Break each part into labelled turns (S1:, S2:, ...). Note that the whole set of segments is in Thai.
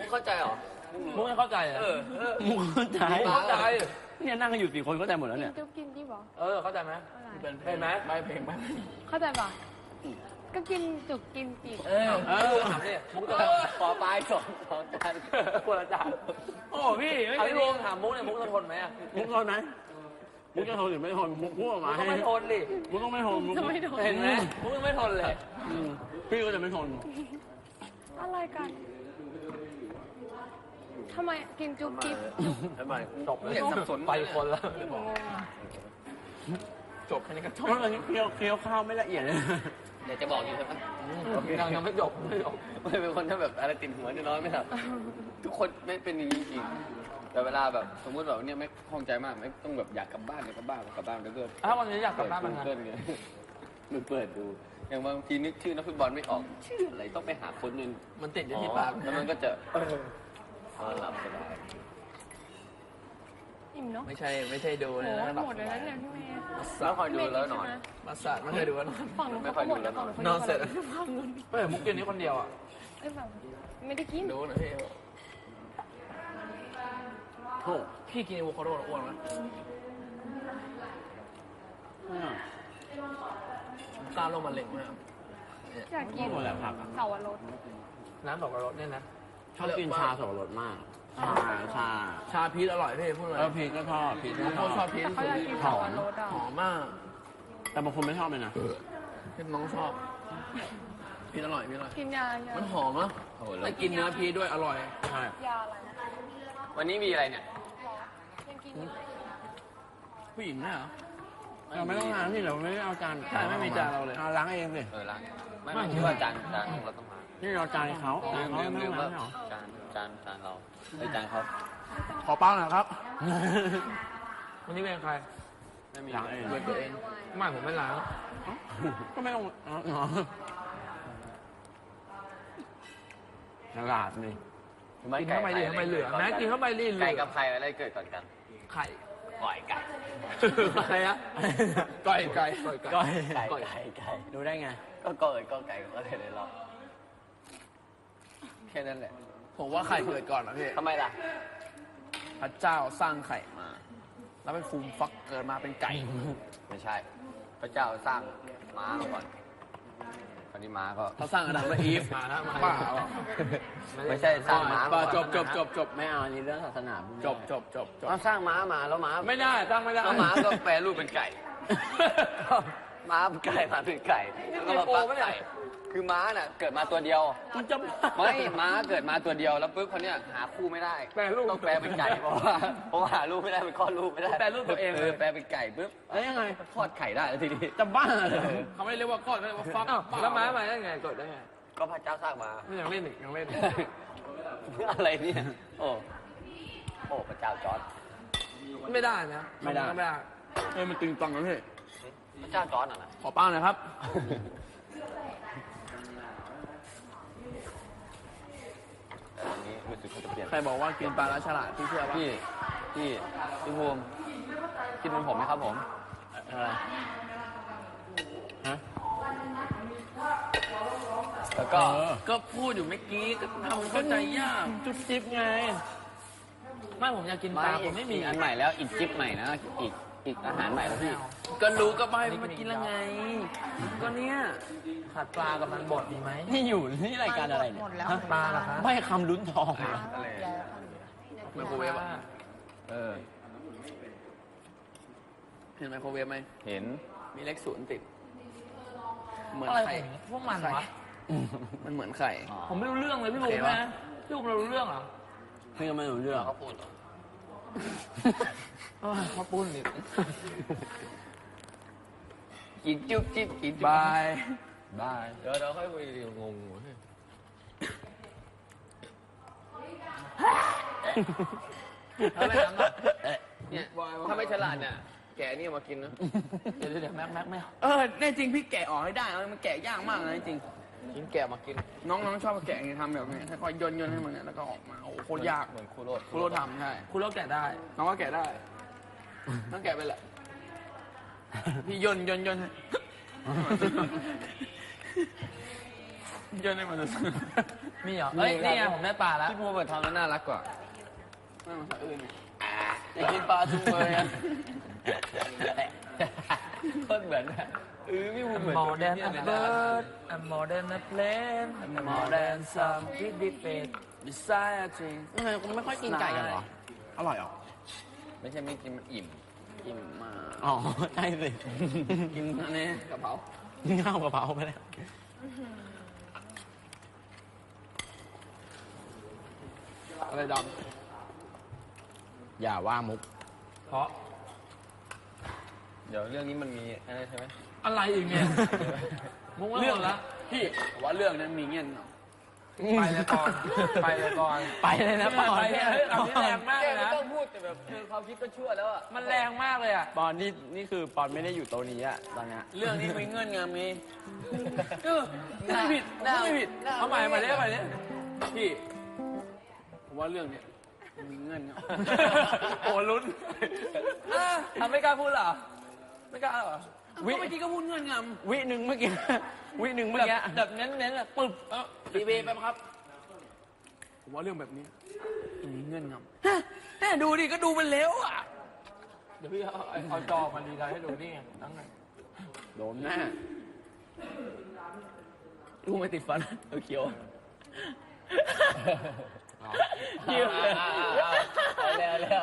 S1: เข้าใจเหรอ
S2: มุกไม่เข้าใจเหรอมุกเข้าใจเนี่ยนั่งกันอยู่4 คนเข้าใจหมดแล้วเนี่ย
S3: จุ๊บกินที่บอก
S2: เข้าใจไหมเป็นไหมไม่เพลงไม่
S3: เข้าใจปะก็กินจุกกินปีก
S2: ถามดิมุกจะ
S1: ขอปลาย2จาน
S2: คนละจานโอ้พี่ไม่พี่วงถามมุกเนี่ยมุกจะทนไหมอ่ะมุกทนไหมมุกจะทนหรือไม่ทนมุกพูดออกมาให้ไม่ทนดิมุกต้องไม่ทนมุก
S3: จะไม่ทน
S2: เห็นไหมมุกไม่ทนเลยพี่ก็จะไม่ทน
S3: อะไรกันทำไมกินจุ๊บกิ๊บ
S2: ทำไมจบ
S1: เนี่ยสับสน
S2: ไปคนละ
S3: งงอะ
S2: จบแค่นี้ก็จบแล้วเคี้ยวข้าวไม่ละเอียดเลย
S1: เดี๋ยวจะบอกอยู่ใช่ไหม
S2: ยังไม่จบ
S1: ไม่เป็นคนถ้าแบบอะไรติดหัวน้อยไม่ทำทุกคนไม่เป็นอย่างนี้จริงแต่เวลาแบบสมมติแบบเนี่ยไม่คล่องใจมากไม่ต้องแบบอยากกลับบ้านแล้วก็
S2: ถ้าวันนี้อยากกลับบ้านมัน
S1: เกินไงมันเปิดดูอย่างบางทีนึกชื่อนักฟุตบอลไม่ออกชื่ออะไรต้องไปหาคนนึง
S2: มันติดอยู่ที่ปาก
S1: แล้วมันก็จะหลับสบาย
S3: อิ่มเนาะ
S2: ไม่ใช่ดู
S3: โห
S2: นะ
S3: หมดเลยนะเนี่ยพี่เมย์
S1: แล้วคอยดูแล้วหน่อย
S2: มาสาดไม่เคยดูแล้วนอน
S3: ฝั่งนู้นเขาก็หมดแล้วฝั่งนู้น
S2: นอนเสร็จ
S3: ฝั่งนู้น
S2: เฮ้ยมุกกินนี้คนเดียวอ่ะ
S3: เอ้ยแบบไม่ได้กิน
S2: ดูนะพี่โธ่พี่กินอะโวคาโดอ้วนไหมกล้าลงมาเล็งมาก
S3: อยากกิน
S2: หมดแล้วผัก
S3: เสาวรส
S2: น้ำสับปะรดเนี่ยนะชอบกินชาสับปะรดมากชาพีชอร่อยพี่พูดเลยพีชก็ชอบพีชก็ชอบพีช
S3: แต่เขาอยากกินเสาวรสอ่ะ
S2: หอมมาก แต่บางคนไม่ชอบเลยนะพี่น้องชอบพีชอร่อยพีชอร่อย
S3: กินยาเยอะ
S2: มันหอมนะแต่กินเนื้อพีชด้วยอร่อยใช่
S3: ยาอะไร
S1: วันนี้มีอะไรเนี่ย
S3: ยังกินอยู่
S2: ผู้หญิงเนี่ยเหรอเราไม่ต้องล้างที่เราไม่ได้เอาจานใช่ไม่มีจานเราเลยล้างเองสิ
S1: ล้างไม่คิดว่าจานของเราต้องมา
S2: นี่เราจานเขาจานเขาไม่
S1: ลื
S2: ต้
S1: ม
S2: องล้าง
S1: ว่า
S2: หรอ
S1: จานเราจานเขา
S2: ขอเป้าหน่อยครับ วันนี้เป็นใคร
S1: ไม่มี
S2: ล้างเองเป็นตัวเองไม่ผมไม่ล้างก็ไม่ต้องฉลาดนี่กินเข้าไปดิทำไมเหลือแม้กินเข้าไปดิเหลือ
S1: ไก่กับไข่อะไรเกิดก่อนกัน
S2: ไข่
S1: ก่อยไก่
S2: อะไรอะไก่ดูได้ไง
S1: ก็ก่อยก็ไก่ก็เลยเลยเราแค่นั้นแหละ
S2: ผมว่าไข่เกิดก่อนนะพี่
S1: ทำไมล่ะ
S2: พระเจ้าสร้างไข่มา แล้วเป็นฟูมฟักเกิดมาเป็นไก่
S1: ไม่ใช่ พระเจ้าสร้างม้ามาก่อนคราวนี้ม้าก็
S2: เขาสร้างอดัมและอีฟมาแล้วบ้า
S1: ไม่ใช่สร้างม้า
S2: จบไม่เอาอันนี้เรื่องศาสนาจบ
S1: เราสร้างม้ามาแล้วม้า
S2: ไม่ได้ตั้งไม่ได้
S1: แล้วม้าก็แปลรูปเป็นไก่ ม้าเป็นไก่มาเป็นไก่แล้วก็มาฟักไก่คือม้าน่ะเกิดมาตัวเดียว
S2: มันจะ
S1: ไม่ม้าเกิดมาตัวเดียวแล้วปุ๊บเขาเนี่ยหาคู่ไม่ได้
S2: แปลรูป
S1: ต้องแปลเป็นไก่เพราะว่าหาลูกไม่ได้มันคลอดลูกไม่ได้
S2: แปลรูปตัวเองเลย
S1: แปลเป็นไก่ปุ๊บ
S2: แล้วยังไง
S1: คลอดไข่ได้แล้วทีนี้
S2: จะบ้าเลยเขาไม่เรียกว่าก้อนเขาเรียกว่าฟักแล้วม้ามาได้ไงเกิดได้ไง
S1: ก็พระเจ้าสร้างมา
S2: ยังเล่นอีกยังเล่น
S1: อะไรเนี่ยโอ้พระเจ้าจอร์จ
S2: ไม่ได้นะไม่ได้มันตึงตังแล้วพี่
S1: พระเจ้าจอร์จน่ะนะ
S2: ขอป้าหน่อยครับ
S1: แต่อันนี้รู้สึกเขาจะเปลี่ยน
S2: ใครบอกว่ากินปลาแล้วฉลาดพี่เชื่อป่ะ
S1: พี่ภูมิคิดเหมือนผมไหมครับผม
S2: อะไรฮะ
S1: แล้วก็
S2: ก็พูดอยู่เมื่อกี้ก็ทำเข้าใจยากจุดจิ๊บไงไม่ผมอยากกินปลาผมไม่มี
S1: อันใหม่แล้วอีกจิ๊บใหม่นะอีกอาหารใหม่แล้วพี่
S2: ก็รู้ก็ใบมากินแล้วไงก็เนี่ยผัดปลากับมันบดดีไหมนี่อยู่นี่รายการอะไรเนี่ยปลาเหรอครับไม่คำลุ้นทองอะไรไมโครเวฟอ่ะเห็นไมโครเวฟไหม
S1: เห็น
S2: มีเลข0ติดเหมือน
S4: อะไร
S2: ไข่
S4: พวกมันวะ
S2: มันเหมือนไข่
S4: ผมไม่รู้เรื่องเลยพี่บุ๋มนะพี่บุ๋มเรารู้เรื่องเหรอ
S2: พี่ก็ไม่รู้เรื่อง
S1: เขาพูดเหรอ
S4: มาปุ้นอีก
S1: กินจุ๊บจิ๊บกิน
S2: บาย
S1: เดี๋ยวค่อยคุยงงถ้าไม่ทำเนี่ยถ้าไม่ฉลาดเนี่ยแกนี่มากินนะ
S4: เดี๋ยวแม็กไม่เอา
S2: แน่จริงพี่แกะออกให้ได้มันแกะยากมากนะจริง
S1: กินแกะมากิน
S2: น้องชอบแกะไงทำแบบนี้ค่อยๆย่นให้มันเนี่ยแล้วก็ออกมาโอ้โหโคตรยาก
S1: เหมือนครูโรด
S2: ครูโรทำใช่
S4: คุณเลิกแกะได้
S2: น้องก็แกะได้ต้องแกะไปแหละพี่ย่นให้ย่นให้มัน
S4: มีเหรอเอ้ยนี่ไงผมได้ปลาแล้ว
S1: ที่พูดมาทำแล้วน่ารักกว่าไม่เหมือนคนอื่นอยากกินปลาจุ่มเลยอ่ะโคตรเหมือนอะไม่พูดเหมือน
S4: Modern a bird a modern a plane a modern some pretty face beside a tree
S2: ทำไมคุณไม่ค่อยกินไก่กันเหรอ อร่อยเหรอ
S1: ไม่ใช่ไม่กินมันอิ่มกินมา
S2: อ๋อ ใช่สิ
S1: กินอันนี้กระเพรา
S2: ข้าวกะเพราไปแล้ว
S1: อะไรด
S2: อย่าว่ามุก
S4: เพราะ
S1: ำเดี๋ยวเรื่องนี้มันมีอะไรใช่ไหม
S4: อะไรอีกเนี่ยมุกไม่หมดละ
S1: พี่ว่าเรื่องนั้นมีเงี้ย
S4: ไปเลยก่อนไปเลยก่อน
S2: ไปเลยนะปอน
S4: ไปเลยเฮ้ยเอาที่แรงมาก
S1: แก
S4: เลย
S1: ไม่
S4: นะ
S1: ต้องพูดแต่แบบคือความคิดก็ชั่วแล้วอ่ะ
S4: มันแรงมากเลยอ่ะ
S2: ปอนนี่คือปอนไม่ได้อยู่โต๊ะนี้อะตอนเนี้ย
S1: เรื่องนี้มีเงื่อนงำไง
S4: ไม่ผิดไม่ผิดเอาใหม่มาเรื่อย
S1: พี่ผมว่าเรื่องเนี้ยมันมีเงื่อนง
S4: โอ้ลุ้นทำไม่กล้าพูดเหรอไม่กล้าเหรอ
S1: ำวิเมื่อกี้ก็พูดเงื่อนง
S2: วิหนึ่งเมื่อกี้ วิหนึ่งเมื่อกี้
S4: แบบเน้นๆอะปึ๊บ
S1: ำรีเวย์ไปครับผมว่าเรื่องแบบนี้มันมีเงื่อนงำ
S4: แม่ดูดิก็ดูมันเร็วอ่ะเดี๋ยวพี่เอาจอมาดีไซน์ให้ดูนี่ไงตั้งไง
S2: โดนหน้า
S1: ลูกไม่ติดฟันเขียว
S2: ยิ้มเลย
S1: แล้ว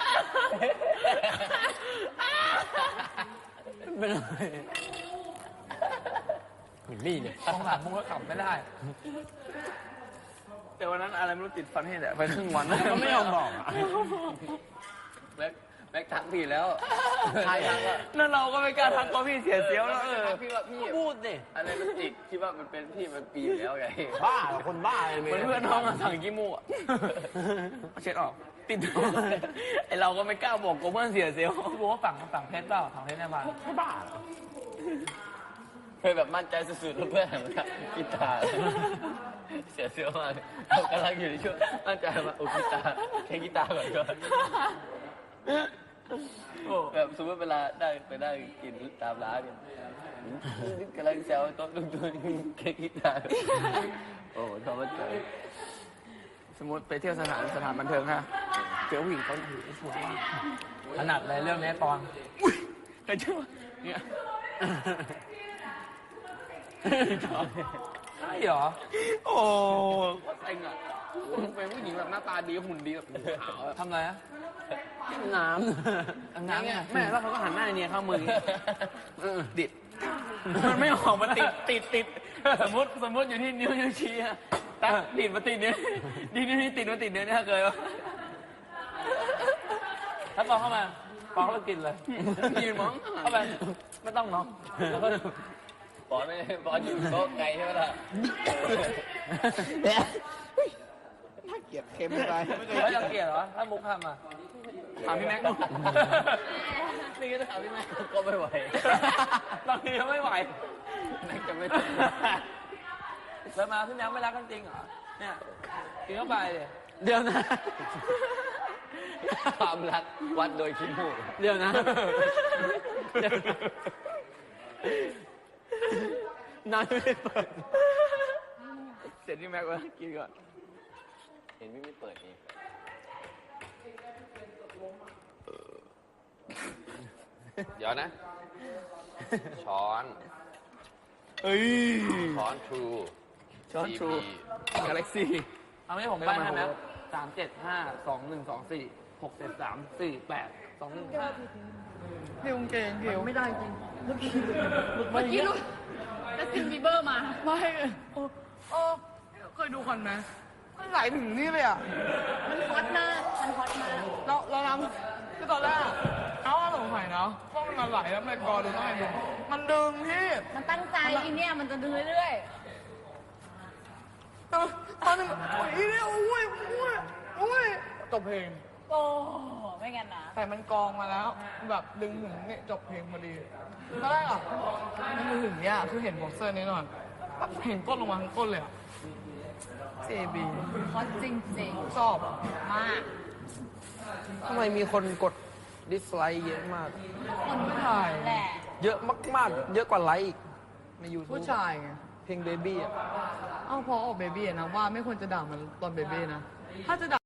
S2: เป็นอะไรเหมือนนี่เลย
S4: ของหลังมึงก็ขับไม่ได้
S1: แต่วันนั้นอะไรไม่รู้ติดฟันให้แหละไปครึ่งวัน
S2: ก็ไม่ยอมบอกอะ
S1: แบ็คทักพี่แล้ว
S2: ใครทักอะ
S4: นั่นเราก็ไม่กล้าทักตัวพี่เสียเสียวแล้ว
S1: ทักพี่ว่าพี่
S2: พูดดิ
S1: อะไรมันติดคิดว่ามันเป็นพี่มันปีแล้วไง
S2: บ้าเหรอคนบ้าเลย
S1: เหมือนเพื่อนน้องมาสั่งกิมูอ่ะเช็ดออกติดไอเราก็ไม่กล้าบอกกูเพื่อนเสียเซลล์
S4: พี่บอกว่าฝั่งเพชรเปล่าฝั่งเพชรในบ้าน
S2: ไม่บ้าเหรอ
S1: เคยแบบมั่นใจสุดๆแล้วเพื่อนหันมากีตาร์เสียเซลล์มากเรากำลังอยู่ในช่วงมั่นใจมาโอ้กีตาร์แค่กีตาร์ก่อนก็แบบสมมติเวลาได้กินตามร้านเนี่ยกำลังแซวโต๊ะตัวแค่กีตาร์โอ้ทำมาเจอ
S4: สมมติไปเที่ยวสถานบันเทิงฮะเจอผู้หญิงเขาถือสวยถนัดเลยเรื่องนี้ปอน
S1: เคยเชื่อเนี่ย
S4: ใช่เหรอ
S2: โอ้
S1: ก็เซ็งอ่ะเป็นผู้หญิงแบบหน้าตาดีหุ่นดีแบบขาวอะ
S4: ทำอะไรอะ
S2: น้
S4: น้ำไง
S1: แม่แล้วเขาก็หันหน้าเนี่ยเข้ามือดิดมันไม่ออกมาติดสมมติอยู่ที่นิ้วชี้อะตัดดิดมาติดนิ้วนี่ติดมาติดนิ้วเนี่ยเคยปะ
S4: ถ้าปอนเข้ามาปอนเข้าไปกินเลย
S1: ยืนมอง
S4: เข้าไปไม่ต้องเนาะแล้วก็
S1: บอลไม่บอลอยู่โต๊ะไกลใช่ไหมล่ะ
S2: ำน่าเกลียดเค็มไปไม่เคย
S4: แล้วยังเกลียดเหรอถ้ามุกทำอ่ะ
S1: ถามพี่แม็กซ์นี่ก็ถามพี่แม็กซ์ก็ไม่ไหว
S4: บางทีก็ไม่ไหว
S1: แม็กซ์จะไม่
S4: แล้วมาพี่แม็กไม่รักกันจริงเหรอเนี่ยกินเข้าไปเลย
S2: เดี๋ยวนะ
S1: ความรักวัดโดยขี้มูก
S2: เดี๋ยวนะน้ำไม่ได้เปิด
S1: เสร็จพี่แม็กซ์ว่ากินก่อนเห็นไม่เปิดนี่เดี๋ยวนะ ช้อน
S2: เอ้ย
S1: ช้อนทรู
S2: ช้อนทรู
S1: กาแล็กซี่
S4: เอาไม่ผมไปให้ไหม37521246348215215
S3: เมื่อกี้รู้แล้วซินบีเบอร์มา
S5: ไม่เคยดูก่อนไหมมันไหลถึงนี่เลยอ่ะ
S3: มันฮอตมากมันฮอตมาก
S5: เราทำคือตอนแรกอะเขาว่าสงสัยเนาะว่ามันไหลแล้วไม่กอดูต้องไงดูมันดึงพี่
S3: มันตั้งใจอีเนี่ยมันจะดึงเรื่อย
S5: ตอนนึงอุ้ยเนี่ยอุ้ยจบเพลง
S3: ๆ โอ้ไม่งั้นนะ
S5: แต่มันกองมาแล้ว แบบดึงถึงเนี่ยจบเพลงพอดีตอนแรกอ่ะมันถึงเนี่ยคือเห็นบ็อกเซอร์นี่นอนปั๊บเห็นก้นลงมาทั้งก้นเลยอ่ะเซบี
S3: ฮอตจริง
S5: ชอบ
S3: ๆ มาก
S2: ทำไมมีคนกดดิสไลค์เยอะมาก
S3: คนผู้ชายแหละ
S2: เยอะมากๆ เยอะกว่าไลค์อีกใน YouTube
S5: ผู้ชายไง
S4: เพลงเบบี้อ่ะ
S5: เอ้าพอออกเบบี้นะว่าไม่ควรจะด่ามันตอนเบบี้นะ ถ้าจะด่า